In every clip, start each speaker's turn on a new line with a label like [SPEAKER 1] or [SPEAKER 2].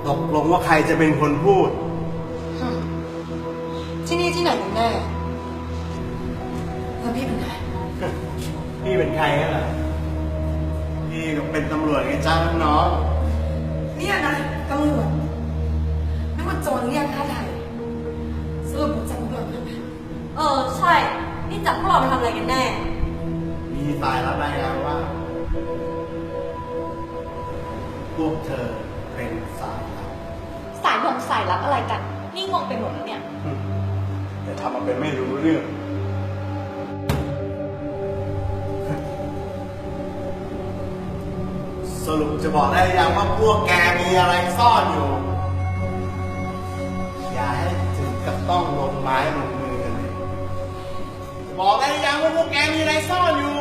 [SPEAKER 1] ตกลงว่าใครจะเป็นคนพูด
[SPEAKER 2] ที่นี่ที่ไหนกันแน่แล้วพี่เป็นใคร
[SPEAKER 1] พี่เป็นใครกันล่ะพี่ก็เป็นตำรวจไงจ้าน้อง
[SPEAKER 2] เนี่ยนะตำรวจนั่นมันโจรเรียกค่าไถ่สรุปมันจับตำรวจมันไหม
[SPEAKER 3] ใช่นี่จับพวกเราไปทำอะไรกันแน่
[SPEAKER 1] มีสายรับรายงานว่า พวกเธอเป็นสายลับ
[SPEAKER 3] สายสายลับอะไรกัน นี่งงไปหมดแล้วเนี่ย
[SPEAKER 1] แต่ทำมาเป็นไม่รู้เรื่องสรุปจะบอกได้หรือยังว่าพวกแกมีอะไรซ่อนอยู่ อย่าให้ถึงกับต้องลงไม้ลงมือกันเลยบอกได้หรือยังว่าพวกแกมีอะไรซ่อนอยู่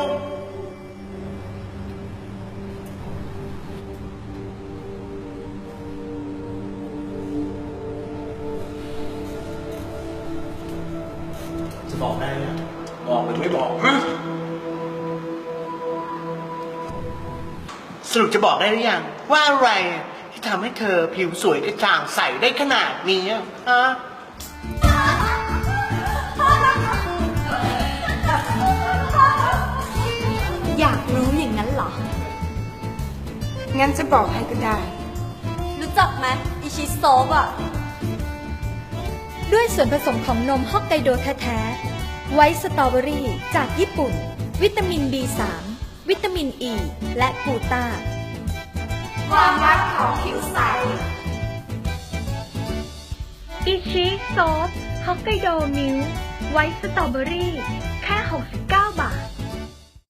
[SPEAKER 1] จะบอกได้หรือยังบอกหรือไม่บอกฮะสรุปจะบอกได้หรือยังว่าอะไรที่ทำให้เธอผิวสวยกระจ่างใสได้ขนาดนี้อะฮะ
[SPEAKER 3] อยากรู้อย่างนั้นเหรอ
[SPEAKER 2] งั้นจะบอกให้ก็ได้
[SPEAKER 3] รู้จักไหมอิชิโซบอะ
[SPEAKER 4] ด้วยส่วนผสมของนมฮอกไกโดแท้ๆ ไวท์สตรอเบอรี่จากญี่ปุ่น วิตามิน B3 วิตามินอ e, ีและกลูตา
[SPEAKER 2] ความรักของผิวใส
[SPEAKER 4] อิชิโซฟฮอกไกโดมิลค์ไวท์สตรอเบอรี่แค่